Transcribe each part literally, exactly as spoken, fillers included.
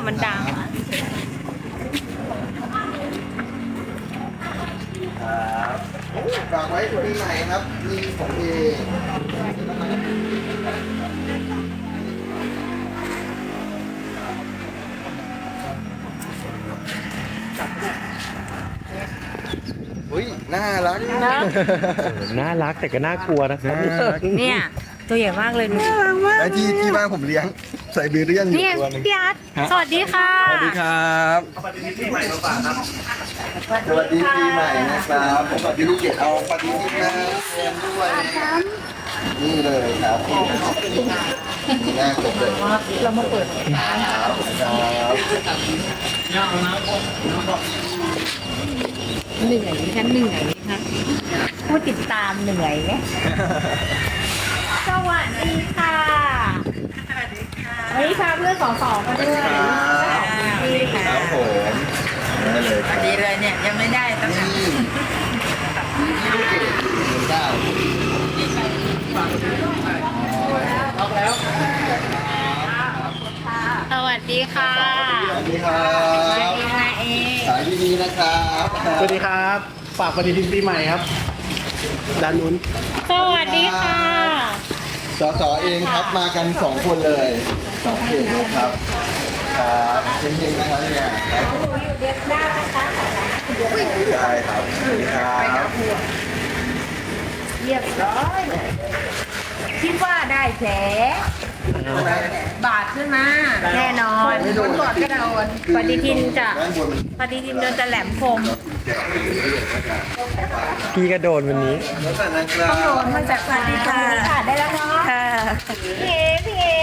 มันดังคอะรับฝากไว้ปีใหม่ครับมีของเองอุ้ยน่ารักนะน่ารักแต่ก็น่ากลัวนะครับเนี่ยตัวใหญ่มากเลยน่ารักมากไอ้ที่ที่บ้านผมเลี้ยงไซบีเรียนอยู่เนี่ยตัวหนึงพี่อาร์ตสวัสดีค่ะสวัสดีครับสวัสดีปีใหม่นะครับสวัสดีปีใหม่นะครับผมกับพี่ลูกเกดเอาปฏิทินมาเรียนด้วยนี่เลยครับนี่น่าสนเลยเรามาเปิดร้านครับครับเหนื่อยไหมคะเหนื่อยไหมคะผู้ติดตามเหนื่อยไหมสวัสดีค่ะวันนี้พาเพื่อนสองสองมาด้วยครับผมได้เลยครับดีเลยเนี่ยยังไม่ได้ตั้งแต่นี่พี่ลูกเกดหนึ่งเก้าสวัสดีค่ะสวัสดีครับนายเอสายดีๆนะครับสวัสดีครับฝากปฏิทินปีใหม่ครับด้านนู้นสวัสดีค่ะสสเองครับมากันสองคนเลยสองเขตนะครับครับเช่นๆนะครับเนี่ยครับผมอยู่เดือนหน้านะคะได้ครับสวัสดีครับเรียบร้อยคิดว่าได้แผลบาดขึ้นมาแน่นอนคนกดก็โดนปฏิทินจะด้านบนมันปฏิทินโดนจะแหลมคมพี่ก็โดนวันนี้แล้วแต่นะครับโดนมาจากปฏิทินค่ะได้แล้วเนาะค่ะพี่เอ๋พี่เอ๋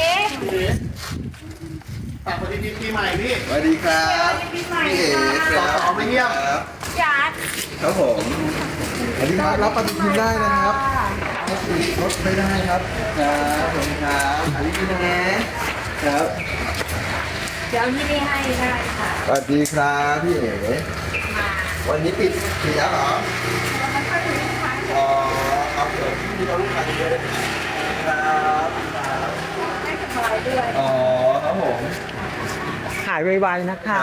ฝากปฏิทินปีใหม่พี่สวัสดีครับพี่เอ๋ครับสสมาเยี่ยมครับจัดครับผมสวัสดีครับรับปฏิทินได้นะครับรถติดรถไม่ได้ครับครับผมครับอันนี้นะครับเดี๋ยวที่นี่ให้ได้ค่ะสวัสดีครับพี่เอ๋วันนี้ปิดปิดแล้วเหรออ๋อครับผมที่เราลูกค้าเยอะครับให้สบายด้วยอ๋อครับผมหายไวๆนะคะ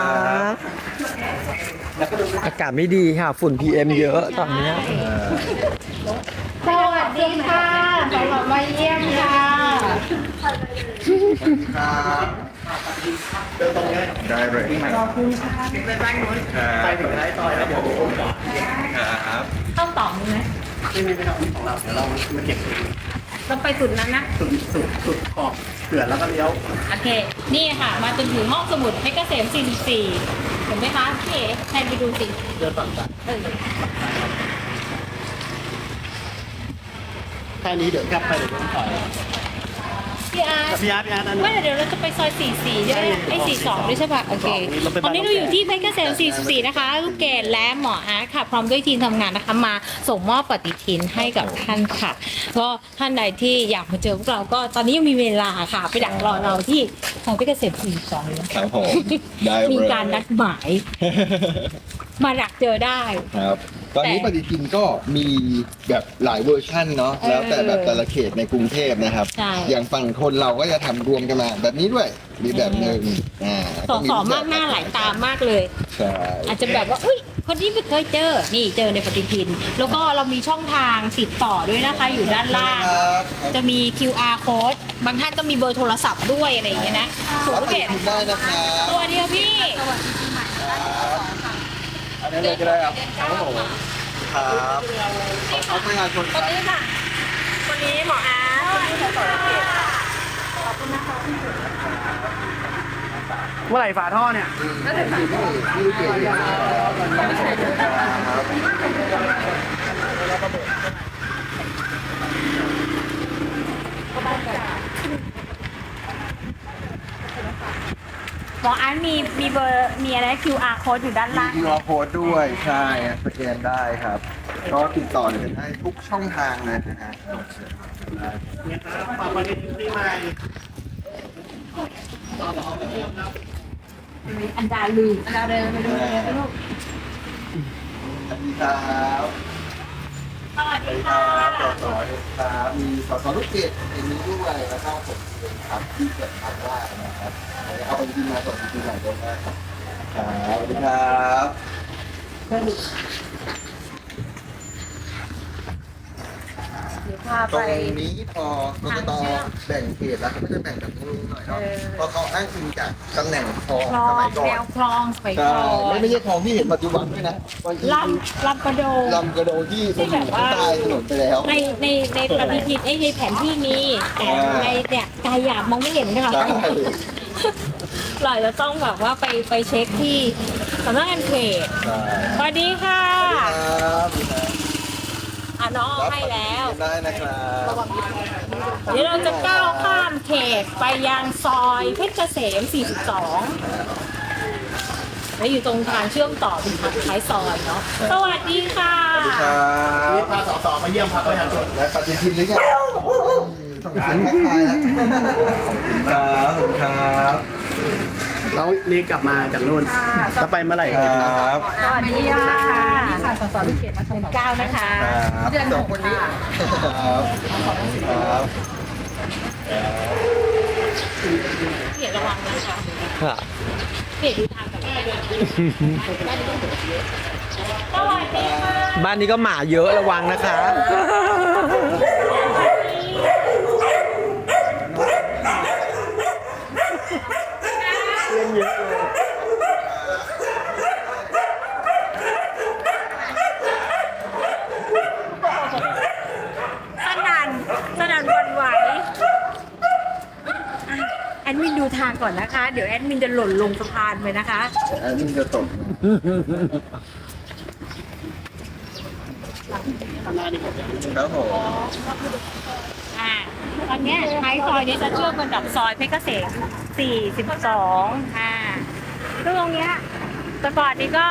อากาศไม่ดีค่ะ ฝุ่น พี เอ็ม เยอะตอนเนี้ยสวัสดีค่ะสำหรับมาเยี่ยมค่ะครับเดินตรงนี้ได้เลยขอบคุณค่ะไปบ้านนู้นไปถึงท้ายซอยแล้วผมครับเข้าต่อมไหมไม่ไม่ไม่ครับของเราเดี๋ยวเรามาเก็บเราไปสุดนั้นนะสุดสุดสุดขอบเขื่อนแล้วก็เลี้ยวโอเค นี่ค่ะ มาจนถึงห้องสมุดเพชรเกษม สี่สิบสี่ เห็นไหมคะพี่เอ๋แทนไปดูสิเดินฝั่งซ้ายเออแค่นี้เดี๋ยวกลับไปเดี๋ยวต้องถอยพี่อาร์ตพี่อาร์ตพี่อาร์ตนั่นไม่เดี๋ยวเราจะไปซอย สี่สิบสี่ ใช่ไหมไอ้สี่สิบสองด้วยใช่ป่ะ โอเคเราไปตบ้าอน นนี้เราอยู่ที่เพชรเกษม สี่สิบสี่ นะคะ ลูกเกดและหมออาร์ตค่ะ พร้อมด้วยทีมทำงานนะคะ มาส่งมอบปฏิทินให้กับท่านค่ะ ก็ท่านใดที่อยากมาเจอพวกเรา ก็ตอนนี้ยังมีเวลาค่ะ ไปดักรอเราที่ซอยเพชรเกษม สี่สิบสองเลยครับผมได้เลยมีการนัดหมาย มาดักเจอได้ครับ ตอนนี้ปฏิทินก็มีแบบหลายเวอร์ชั่นเนาะเออแล้วแต่แบบแต่ละเขตในกรุงเทพนะครับใช่อย่างฝั่งทนเราก็จะทำรวมกันมาแบบนี้ด้วย มีแบบหนึ่งอ่าสองสองมากหน้าหลายตามากเลยใช่อาจจะแบบว่าอุ้ยคนนี้ไม่เคยเจอ นี่เจอในปฏิทิน แล้วก็เรามีช่องทางติดต่อด้วยนะคะ อยู่ด้านล่างครับจะมี คิว อาร์ code บางท่านก็มีเบอร์โทรศัพท์ด้วยอะไรอย่างเงี้ยนะถูกรับปเก็ฏิบทินได้นะครับตัวเดียวพี่อันนี้เลยก็ได้ครับครับผมครับเอาประชาชนคนนี้ค่ะ คนนี้หมออาร์ตคนนี้สสเขตเมื่อไหร่ฝาท่อเนี่ยที่ที่ลูกเกดครับหมออาร์ตมีมีเบอร์มีอะไร คิว อาร์ code อยู่ด้านมีล่างคิว อาร์ โค้ดด้วย ใช่สแกนได้ครับ ก็ติดต่อเลยได้ทุกช่องทางเลยนะฮะเนี่ยครับฝากปฏิทินปีใหม่อันดาลืมอันดาเดินไปดูเลยลูกสวัสดีครับสวัสดีคค่ะรับสสครับมีสสลูกเกดเอ็นนี้ด้วยแล้วก็ผมเองครับที่เกิดทำว่านะครับเอาไปที่มาสดที่ไหนก็ได้ครับครับสวัสดีครับเดี๋ยวพาตไปรงนี้พอกกตแบ่งเขตแล้วเขาก็จะแบ่งแบบนี้หน่อยเนาะเพราะเขาอ้างอิงจากตำแหน่งคลองคลอสมังยก่อแนนวคลองสมัยใช่ก่อนไม่ไม่ใช่คลองที่เห็นปัจจุบันด้วยนะลำลำกระโดงลำกระโดงที่มันอยู่ข้างใต้ถนนไปแล้วในในในปฏิทินไอ้ในแผนที่มีแต่อ่าในเนี่ยกายหยาบมองไม่เห็นค่ะใช่เราจะต้องแบบว่าไปไปเช็คที่สำนักงานเขตใช่สวัสดีค่ะครับอ่ะน้องให้แล้วได้นะครับเดี๋ยวเราจะก้าวข้ามเขตไปยังซอยเพชรเกษม สี่สิบสอง แล้วอยู่ตรงทางเชื่อมต่อเป็นทางท้ายซอยเนาะ สวัสดีค่ะครับนี่พาสสมาเยี่ยมพรรคประชาชนและปฏิทินหรือยังต้องการทักทายแล้วครับขอบคุณครับแล้วนี่กลับมาจากนู่นจะไปเมื่อไหร่ครับสวัสดีค่ะนี่ค่ะสสลูกเกดมาชมเก้านะคะครับเดือนสหองกคนนี้ค่ะครับครับเขียนระวังนะคะค่ะเขียนดูทางกับแม่ด้วยสวัสดีค่ะบ้านนี้ก็หมาเยอะระวังนะคะสนั่นสนั่นหวันไหวอ่ะแอดมินดูทางก่อนนะคะ เดี๋ยวแอดมินจะหล่นลงสะพานไปนะคะอันนี้จะตก ครับผมอ่าตอนเนี้ยท้ายซอยเนี้ยจะเชื่อมกันกับซอยเพชรเกษม สี่สิบสองอ่าซึ่งตรงเนี้ยแต่ก่อนนี้ก็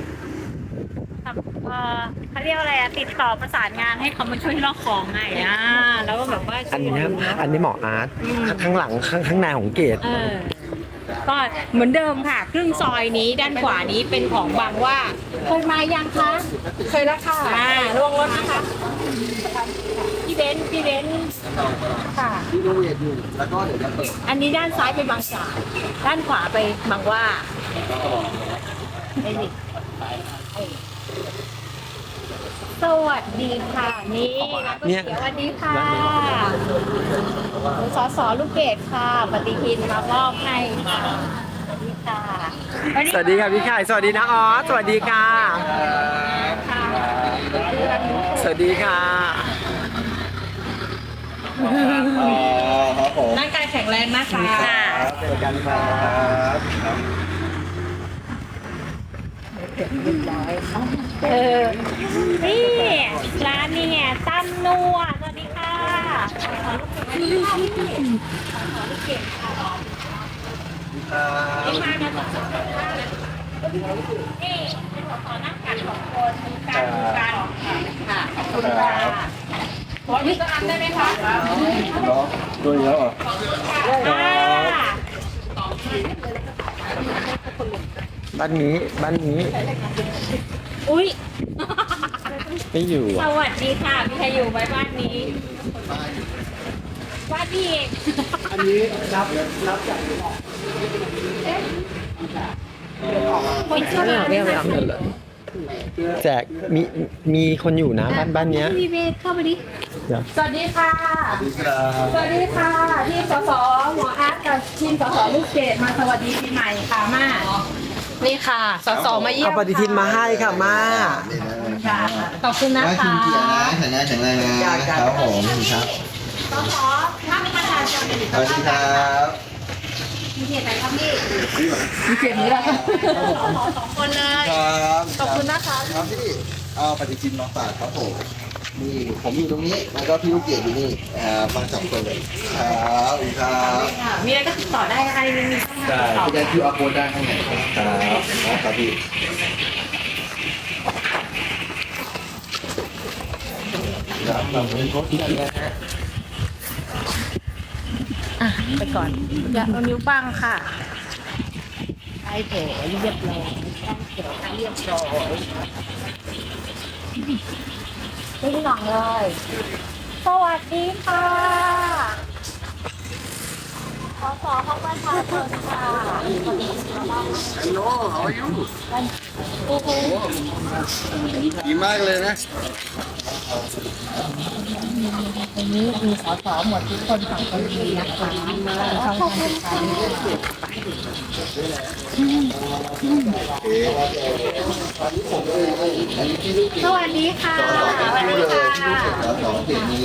เอ่อเขาเรียกอะไรอะติดต่อประสานงานให้เขามาช่วยลอกของไงอ่าแล้วก็แบบว่าอันช่วยนี้ดูเนอะอันนี้หมออาร์ตอืมข้างหลังข้างข้างในของเกตเออก็เหมือนเดิมค่ะ ครึ่งซอยนี้ด้านขวานี้เป็นของบางว่าเคยมายังคะ เคยแล้วค่ะอ่าลวงรถนะคะ พี่เบนซ์พี่เบนซ์ค่ะที่โรงเรียนอยู่ แล้วก็เดี๋ยวจะเปิดอันนี้ด้านซ้ายไปบางจากด้านขวาไปบางว่าไอ้นี่สวัสดีค่ะ นี่ร้านก๋วยเตี๋ยวสวัสดีค่ะสสลูกเกดค่ะ ปฏิทินมามอบให้ค่ะสวัสดีค่ะสวัสดีค่ะพี่ไข่สวัสดีนะออสสวัสดีค่ะค่ะสวัสดีค่ะอ๋อครับผมร่างกายแข็งแรงนะคะครับเจอกันครับครับเออ นี่ร้านนี่ไงตั้มนัวสวัสดีค่ะนี่มากันสองคนนี่เป็นสอนั่งกันสองคนมีการดูกันค่ะขอบคุณค่ะขอที่ก็อันได้ไหมคะเนาะด้วยแล้วเหรออ่าบ้านนี้บ้านนี้อุ้ยไม่อยู่สอ่ะวัสดีค่ะมีใครอยู่ไหมบ้านนี้บ้านพี่เองอันนี้รับรับจากคนชอบไม่เอาไม่เอาไม่เอาแจกมีมีคนอยู่นะบ้านบ้านเนี้ยพี่เบสเข้าไปดิเดี๋ยวสวัสดีค่ะสวัสดีครับสวัสดีค่ะที่สสหมออาร์ตกับทีมสสลูกเกดมาสวัสดีปีใหม่ค่ะมานี่ค่ะสสมาเยี่ยเอามปฏิทินมาให้ค่ะมาค่ะขอบคุณนะน่าคะกินเกียรตินะแข็งแรงแข็งแรงนะครับผมครับสสท่านประธานจะเป็นสวัสดีครับมีเกียรติอะไรครับพี่มีเกียรตินี้แหละสองคนเลยครับขอบคุณนะคะครับพี่เอาปฏิทินมาฝากครับผมนี่ผมอยู่ตรงนี้แล้วก็พี่ลูกเกดอยู่นี่อ่ามาสองคนเลยครับสวัสดีครับมีอะไรก็ติดต่อได้อะไรมีช่องทางติดต่อพี่ได้คิวอาร์โค้ดได้ข้างในครับครับพี่ครับเราเป็นโค้ดที่ได้นะฮะอ่ะไปก่อนอย่าเอานิ้วบ้างค่ะไอ้แผลเรียบร้อยตั้งแผลเรียบร้อยนี่หน่อยเลย สวัสดีค่ะสสของประชาชนค่ะ Hello how are you โอ้โหดีมากเลยนะวันนี้มีสสหมดทุกคนฝั่งคนดีนะคะช่องทางติดตามสวัสดีค่ะสวัสดีเลยที่รู้สึกแล้วสองเขตนี้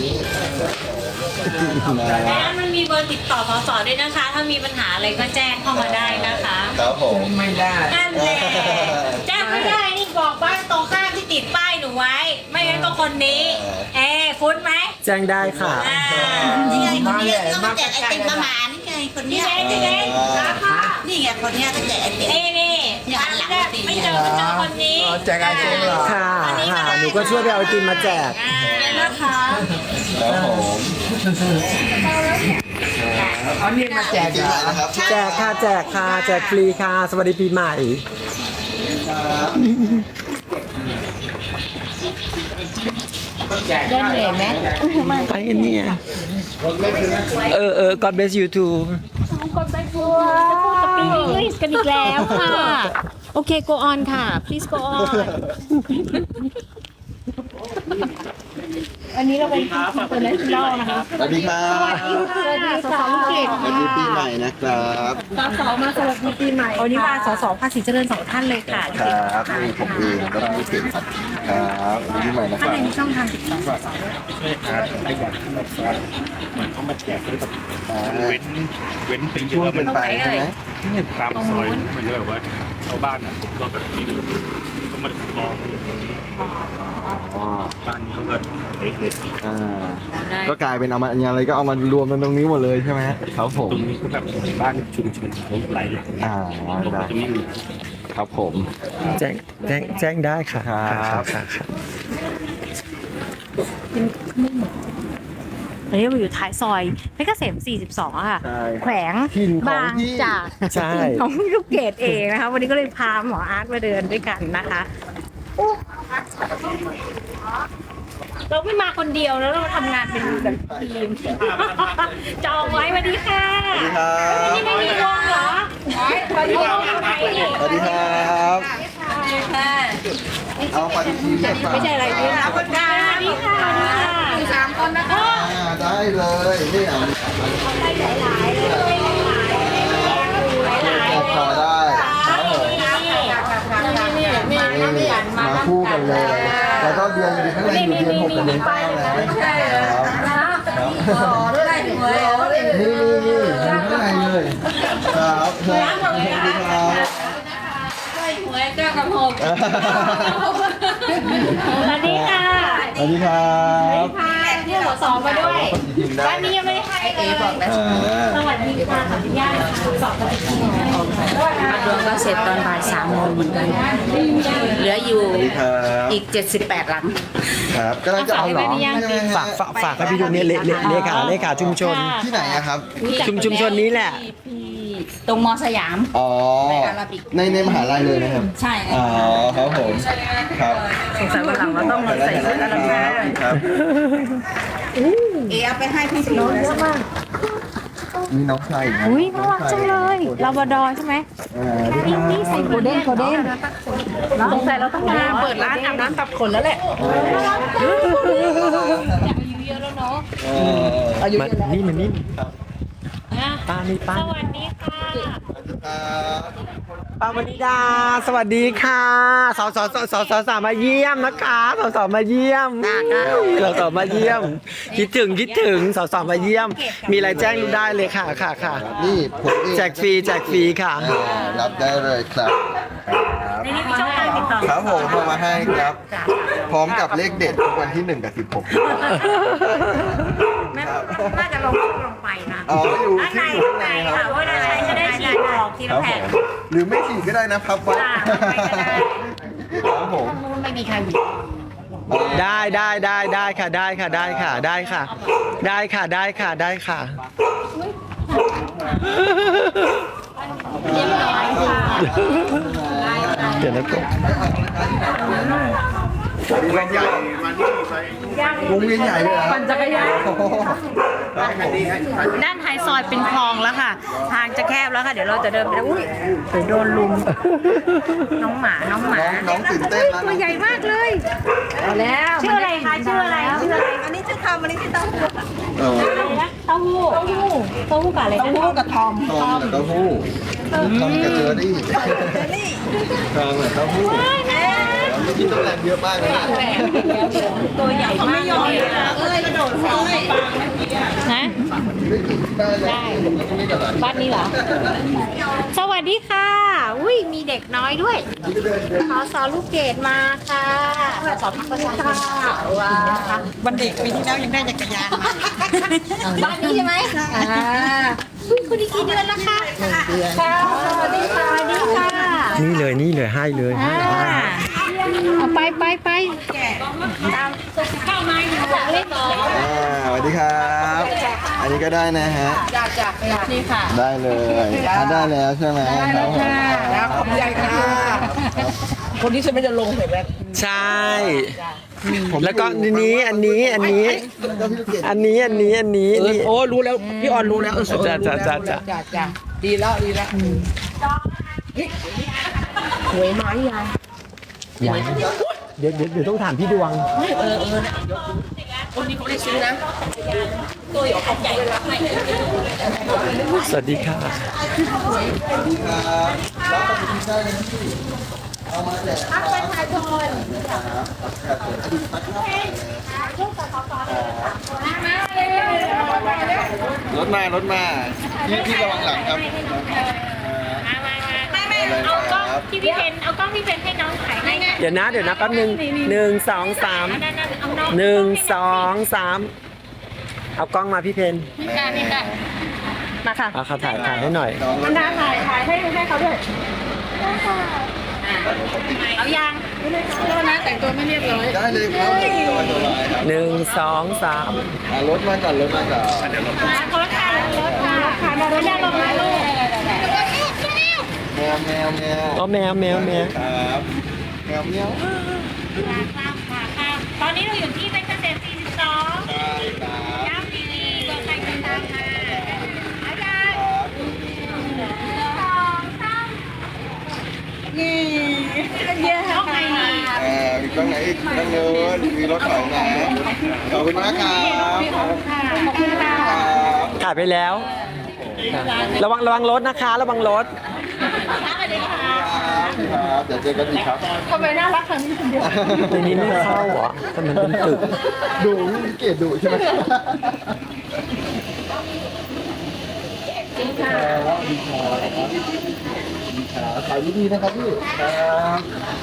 และมันมีเบอร์ติดต่อสสด้วยนะคะ ถ้ามีปัญหาอะไรก็แจ้งเข้ามาได้นะคะครับผมไม่ได้นั่นแหละแจ้งไม่ได้นี่บอกบ้านตรงข้ามที่ติดป้ายหนูไว้ ไม่งั้นก็คนนี้ เอ๊ฟุ้นไหมแจ้งได้ค่ะอ่านี่ไงคนนี้ต้องมาแจกไอติมมาหมานี่ไงคนนี่เนี้ยเองนี่เองรับค่ะนี่ไงคนเนี้ยต้องแจกไอติมนี่นี่อย่าหลังไม่เจอไม่เจอคนนี้แจกไอติมเหรอค่ะค่ะหนูก็ช่วยไปเอาไอติมมาแจกอ่านะคะครับผมเอานี่มาแจกจริงเหรอๆนะครับแจกค่ะแจกค่ะแจกฟรีค่ะ สวัสดีปีใหม่แจกได้เลยไหมไปกันเนี่ยเออเออ God bless you too คนไปทัวร์จะพูดสปีกอังกฤษกันอีกแล้วค่ะ โอเค go on ค่ะ please go on วันนี้เราเป็นทีมตัวเลนส์เล่านะคะสวัสดีครับสวัสดีค่ะสสเขตสวัสดีปีใหม่นะครับสสมาสวัสดีปีใหม่วันนี้มาสสภาษีเจริญสองท่านเลยค่ะครับนี่ผมเองก็ต้องเสียงครับครับสวัสดีปีใหม่นะคท่านรับในมีช่องทางติดต่อสสเว้นเว้นเป็นช่วงเป็นไปใช่ไหมตามซอยมันจะแบบว่าชาวบ้านอ่ะผมก็แบบนี้ก็มาลองอ๋อบ้านนี้เขาก็เล็กอ่าก็กลายเป็นเอามาอะไรก็เอามารวมกันตรงนี้หมดเลยใช่ไหมครับผๆมตรงนี้ก็แบบบ้านชุมชนเขาหลายหลังอ่าตรงได้จะไม่มีครับผมแจ้งแจ้งแจ้งได้ค่ะครับค่ะค่ะตอนนี้เราอยู่ท้ายซอยเพชรเกษมสี่สิบสองอะค่ะใช่แขวงถิ่นของบางพี่จากใช่ของลูกเกดเองนะคะ วันนี้ก็เลยพาหมออาร์ตมาเดินด้วยกันนะคะอู้เราไม่มาคนเดียวแล้วเราทำงานเป็นแบบทีม จองไว้สวัสดีค่ะสวัสดีครับนี่ไม่มีวงเหรอสวัสดีค่ะสวัสดีครับ เอาปฏิทินมาฝากไม่ใช่อะไรนี่นะคนกลางสวัสดีค่ะสวัสดีค่ะสามคนนะคะอ่าได้เลยนี่อ่ะได้หลายๆเลยหลายๆแอบขอได้ครับผมนี่นี่นี่นี่นี่มาคู่กันเลย แล้วก็เดือนอยู่ข้างในอยู่เดือนหกกับเดือนเก้านะครับนี่นี่นี่อยู่ข้างในเลยครับครับสวัสดีครับหวยเก้ากับหกสวัสดีค่ะสวัสดีครับค่ะเที่ยวหัวสองมาด้วยปฏิทินได้วันนี้ยังไม่ได้ให้เลยอ่าสวัสดีค่ะขออนุญาตสอบปฏิทินมาดวงก็เสร็จตอนบ่ายสามโมงเหมือนกัน เหลืออยู่สวัสดีครับอีกเจ็ดสิบแปดหลังครับกำลังจะเอาหรอใช่ไหมฮะฝากฝากฝากให้พี่ดูเนี่ยเลเลเลขาเลขาชุมชนที่ไหนอะครับชุมชุมชนนี้แหละตรงมอสยามอ๋อในอาราบิกในในมหาลัยเลยนะครับใช่อ๋อครับผม ครับสงสัยวันหลังเราต้องมาใส่ชุดอาราบิกครับเอเอาไปให้พี่น้องเยอะมากมีน้องชายอีกนะอุ้ยน่ารักจังเลยลาบราดอร์ใช่ไหมอ่าสวัสดีครับนี่ใส่โกลเด้นโกลเด้นสงสัยเราต้องมาเปิดร้านอาบน้ำตัดขนแล้วแหละอยากอายุเยอะแล้วเนาะเออมานี่มานี่นะป้านี่ป้าสวัสดีค่ะครับป้าวนิดา สวัสดีค่ะสาวสาวสาวสาวสาวสาวมาเยี่ยมนะคะสาวสาวมาเยี่ยมสาวสาวมาเยี่ยม คิดถึงคิดถึงสาวสาวมาเยี่ยม มีอะไรแจ้งได้เลยค่ะค่ะค่ะนี่ผมเองแจกฟรีแจกฟรีค่ะอ่ารับได้เลยครับในนี้มีช่องทางติดต่อครับผมเข้ามาให้ครับ พร้อมกับเลขเด็ดทุกวันที่หนึ่งกับสิบหกแม่น่าจะลงลงไปนะอ๋ออยู่ด้านในที่อยู่ข้างในคค่ะรับว่าด้านในจะได้ฉีดออกทีคละรับผแผ่นมหรือไม่ฉีดก็ได้นะพับไว้จ้าไปก็ได้ครับผมไม่มีใครอยู่ได้ได้ได้ได้ค่ะได้ค่ะได้ค่ะได้ค่ะ ได้ค่ะได้ค่ะได้ค่ะเรียบร้อยค่ะเดี๋ยวนะกบวงเวียนใหญ่วงเวียนใหญ่เลยเหรอปั่นจักรยานโอ้โหครับผมด้านท้ายซอยเป็นคลองแล้วค่ะ ทางจะแคบแล้วค่ะ เดี๋ยวเราจะเดินไปแล้วอุ้ยเดี๋ยวโดนลุม น้องหมา น้องหมาน้องน้องตื่นเต้นนะตัวใหญ่มากเลยเอาแล้วชื่ออะไรคะชื่ออะไรชื่ออะไรอันนี้ชื่อทำอันนี้ชื่อเต้าหู้เออเต้าหู้เต้าหู้เต้าหู้กับอะไรนะเต้าหู้กับทอมทองกับเต้าหู้ทองกับเจอรี่นี่ทองกับเต้าหู้แล้วกินต้องแรงเยอะมากเลยนะตัวใหญ่มากเลยเอ้ยกระโดดเลยนะได้เลยไม่กระดาษบ้านนี้เหรอ สวัสดีค่ะ อุ้ยมีเด็กน้อยด้วยขอสอลูกเกดมาค่ะขอสอพักประชาชนค่ะว้าววันเด็กปีที่แล้วยังได้จักรยานมาบ้านนี้ใช่ไหมอ่าอุ้ยคนนี้กี่เดือนแล้วคะค่ะสวัสดีค่ะสวัสดีค่ะนี่เลยนี่เลยให้เลยให้อ่าให้เอาไปไปไปตามเข้ามาอยู่เล่นต่ออ่าสวัสดีครับ อันนี้ก็ได้นะฮะนี่ค่ะได้เลยอ่ะได้แล้วใช่ไหมครับผมแล้วขอบใจค่ะ คนที่ฉันไม่จะลงเห็นไหมใช่ แล้วก็อันนี้อันนี้อันนี้แล้วก็พี่ลูกเกดอันนี้อันนี้อันนี้เออนี่โอ้รู้แล้วพี่ออนรู้แล้วเออจ้ะจ้ะจ้ะจ้ะจ้ะจ้ะดีแล้วดีแล้วหวยไม้ยายยังเดี๋ยวเดี๋ยวเดี๋ยวต้องถามพี่ดวงเออเออคนนี้เขาได้ซื้อนะสวัสดีค่ะครับแล้วก็มีได้เลยที่เอามาแจกครับรถมารถมาพี่พี่ระวังหลังครับไม่ไม่เอากล้องที่พี่เพนเอากล้องพี่เพนให้น้องถ่ายให้เดี๋ยวนะเดี๋ยวนะแป๊บหนึ่งหนึ่งสองสามนั่นนั่นเอาน้องหนึ่งสองสามเอากล้องมาพี่เพนนี่ค่ะนี่ค่ะมาค่ะเอาเขาถ่ายถ่ายให้หน่อยน้องรมัถนดาถ่ายถ่ายให้ให้เขาด้วยเอายางโทษนะแต่งตัวไม่เรียบร้อยได้เลยครับสบายสบายครับหนึ่งสองสามอ่ะรถมาก่อนรถมาก่อนมาคนละค่ะรถค่ะค่ะรถยาลงมาลูกแมวแมวแมวอ๋อแมวแมวแมวครับแมวแมวค่ะค่ะค่ะตอนนี้เราอยู่ที่เป็นเกษตรสี่สิบสองใช่ครับย้ำทีวีเบอร์ใครติดตามมาเอายางสองสามนี่เยอะเข้าไปเอ่อมีกล้องไหนอีกนั่งเนินมีรถถอยมาขอบคุณมากครับค่ะขอบคุณค่ะครับถ่ายไปแล้วค่ะระวังระวังรถนะคะ ระวังรถสวัสดีค่ะครับเดี๋ยวเจอกันอีกครับทำไมน่ารักขนาดนี้คนเดียวในนี้ไม่เข้าเหรอแต่มันเป็นตึกดูเกลียดดูใช่ไหมขายดีๆนะครับพี่ครับ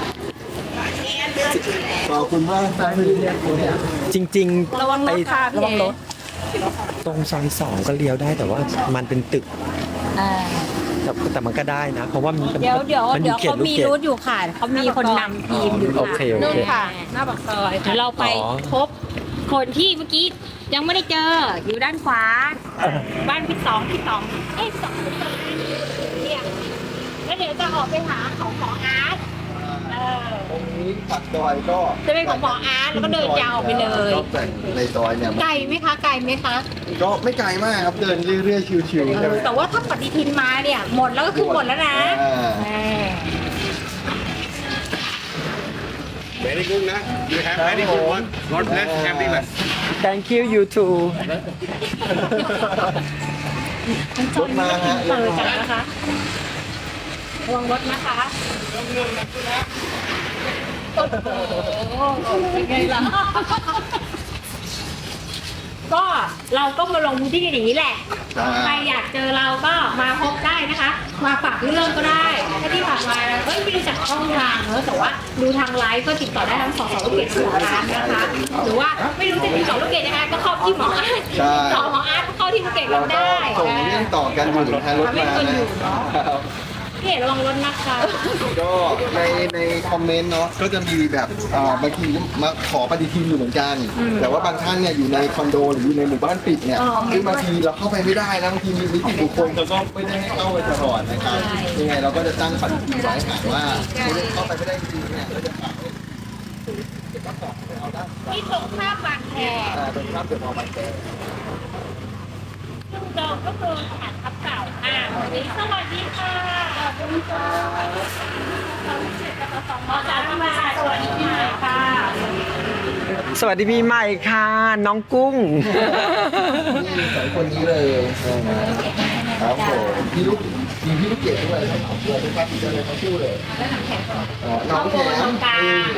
ขอบคุณมากครับที่เรียกผมเนี่ยจริงๆระวังรถค่ะไอ้ระวังรถตรงซอยสองก็เลี้ยวได้แต่ว่ามันเป็นตึกแต่แต่มันก็ได้นะ เพราะว่ามันเดี๋ยวเดี๋ยวมันเดี๋ยวขตเขาลูกมีกดรูทอยู่ค่ะเขามีคนนำทีมอยู่โอค่ะเคโอเคนู่นค่ะ หน้าปากซอยเดี๋ยวเราไปอ๋อพบคนที่เมื่อกี้ยังไม่ได้เจออยู่ด้านขวา บ้านพี่สองพี่สองเอ้ยสองพี่สองเนี่ยแล้วเดี๋ยวจะออกไปหาของหมออาร์ตเออตรงนี้ปักซอยก็จะเป็นของหมออาร์ตแล้วก็เดินยาวไปเลยก็แต่งในซอยเนี่ยไกลไหมคะไกลไหมคะก็ไม่ไกลมากครับเดินเรื่อยๆชิวๆใช่ไหมแต่ว่าถ้าปฏิทินมาเนี่ย หมดแล้วก็คือหมดแล้วนะอ่าเออ Very good นะ You have very good one God bless happiness thank you you too รถมาฮะเปิดกันนะคะระวังรถนะคะโอ้โหเป็นไงล่ะ ก็เราก็มาลงพื้นที่กันอย่างนี้แหละ ใครอยากเจอเราก็มาพบได้นะคะ มาฝากเรื่องก็ได้ถ้าที่ผ่านมาเอ้ยไม่รู้จักช่องทางเนอะแต่ว่าดูทางไลฟ์ก็ติดต่อได้ทั้งสองสองลูกเกดหัวร้านนะคะ หรือว่าไม่รู้จะติดต่อลูกเกดยังไงก็เข้าที่หมออาร์ตติดต่อหมออาร์ตก็เข้าที่ลูกเกดเราเราก็ได้ส่งเรื่องต่อกันอยู่ทางรถมานะครับพี่เอกระวังรถนะคะก็ในในคอมเมนต์เนาะก็จะมีแบบอ่าบางทีมาขอปฏิทินอยู่เหมือนกัน แต่ว่าบางท่านเนี่ยอยู่ในคอนโดหรืออยู่ในหมู่บ้านปิดเนี่ยซึ่งบางทีเราเข้าไปไม่ได้นะบางทีมีนิติบุคคลเราก็ไม่ได้ให้เข้าไปตลอดนะครับยังไงเราก็จะตั้งปฏิทินไว้หากว่าไม่ได้เข้าไปไม่ได้จริงๆเนี่ยเราจะฝากไว้ที่ตรงข้ามบางแคอ่าตรงข้ามเดอะมอลล์บางแคซึ่งจองก็คือสถานทับเก่าอ่าวันนี้สวัสดีค่ะขอบคุณค่ะขอจากมาสวัสดีค่ะสวัสดีปีใหม่ค่ะ น้องกุ้งนี่สองคนนี้เลยครับผมพี่ลูกมีพี่ลูกเกดด้วยครับเราเป็นภาพที่เจอเลยทั้งคู่เลยอ๋อน้องแขมน้องกลาง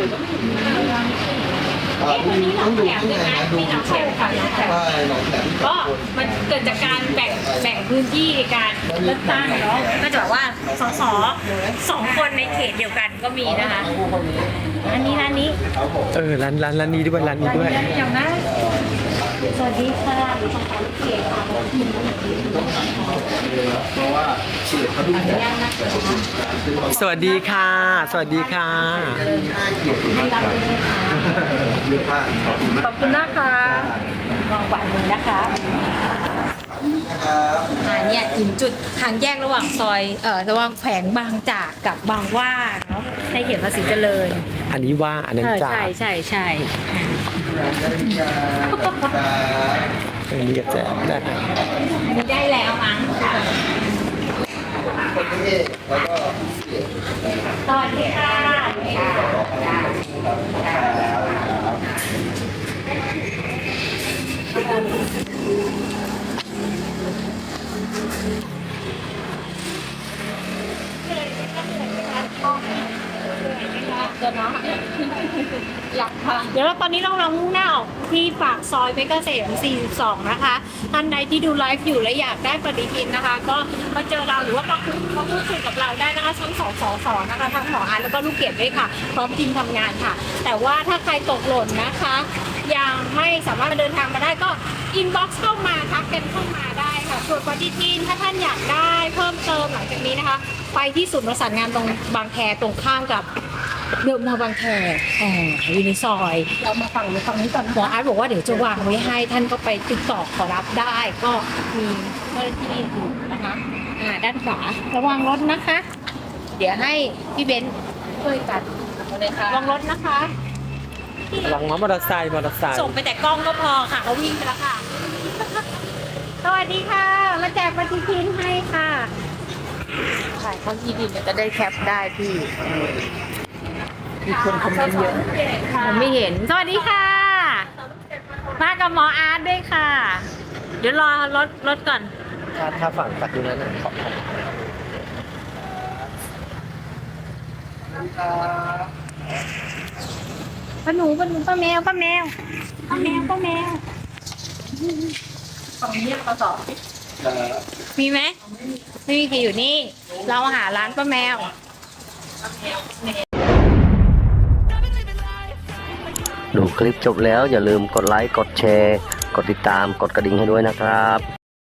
อ่าดูต้องดูที่ไหนนะดูมีน้องแขมค่ะน้องแขมใช่น้องแขมก็มันเกิดจากการแบ่งแบ่งพื้นที่ในการเลือกตั้งเนาะก็จะแบบว่าสสสองคนในเขตเดียวกันก็มีนะคะคู่คนนี้อันนี้ร้านนี้ครับผมเออร้านร้านร้านนี้ด้วยร้านนี้ด้วยเดี๋ยวนะสวัสดีค่ะดิฉันขอเขตค่ะเพราะว่าเฉียดเขาดูแขกสวัสดีค่ะ สวัสดีค่ะมีห้าเกียรติมากครับเยอะมากขอบคุณมากขอบคุณนะคะลองกวาดมือนะคะนะครับอ่าเนี่ยถึงจุดทางแยกระหว่างซอยเอ่อระหว่างแขวงบางจากกับบางหว่าเนาะในเขตภาษีเจริญอันนี้ว่าอันนั้นเออจ่าใช่ใช่ใช่อันนี้ก็แจกได้อันนี้ได้แล้วมั้งค่ะคนนี้แล้วก็เกียรติสวัสดีค่ะเดี๋ยวนะอยากค่ะเดี๋ยวเราตอนนี้เรากำลังมุ่งหน้าออกที่ปากซอยเพชรเกษมสี่สิบสองนะคะท่านใดที่ดูไลฟ์อยู่และอยากได้ปฏิทินนะคะ ก็มาเจอเราหรือว่ามาคุยมาพูดคุยกับเราได้นะคะทั้งสองสอสอนะคะทั้งหมออันแล้วก็ลูกเกดด้วยค่ะพร้อมทีมทำงานค่ะ แต่ว่าถ้าใครตกหล่นนะคะ ยังไม่สามารถเดินทางมาได้ก็อินบ็อกซ์เข้ามาทักกันเข้ามาได้ค่ะส่วนปฏิทินถ้าท่านอยากได้เพิ่มเติมหลังจากนี้นะคะ ไปที่ศูนย์ประสานงานตรงบางแคตรงข้ามกับเดิมมาบางแคอ่าอยู่ในซอยเรามาฟังในฟังนี้ก่อนหมออาร์ตบอกว่าเดี๋ยวจะวางไว้ให้ท่านก็ไปติดต่อขอรับได้ ก็มีเจ้าหน้าที่อยู่นะคะอ่าด้านขวาระวังรถนะคะ เดี๋ยวให้พี่เบนซ์ช่วยกันระวังรถนะคะหลังมอเตอร์ไซค์มอเตอร์ไซค์ส่งไปแต่กล้องก็พอค่ะเขาวิ่งไปแล้วค่ะ สวัสดีค่ะ มาแจกปฏิทินให้ค่ะถ่ายเขาที่ดินจะได้แคปได้พี่มีคนคอมเมนต์เยอะผมไม่เห็น สวัสดีค่ะ มากับหมออาร์ตด้วยค่ะ เดี๋ยวรอรถรถก่อนถ้าถ้าฝั่งตัดอยู่นั้นนะขอบคุณป้าหนูป้าหนูป้าแมวป้าแมวป้าแมวป้าแมวฝั่งนี้ปสองมีไหมไม่มีใครอยู่นี่ เราหาร้านป้าแมวดูคลิปจบแล้วอย่าลืมกดไลค์ กดแชร์ กดติดตาม กดกระดิ่งให้ด้วยนะครับ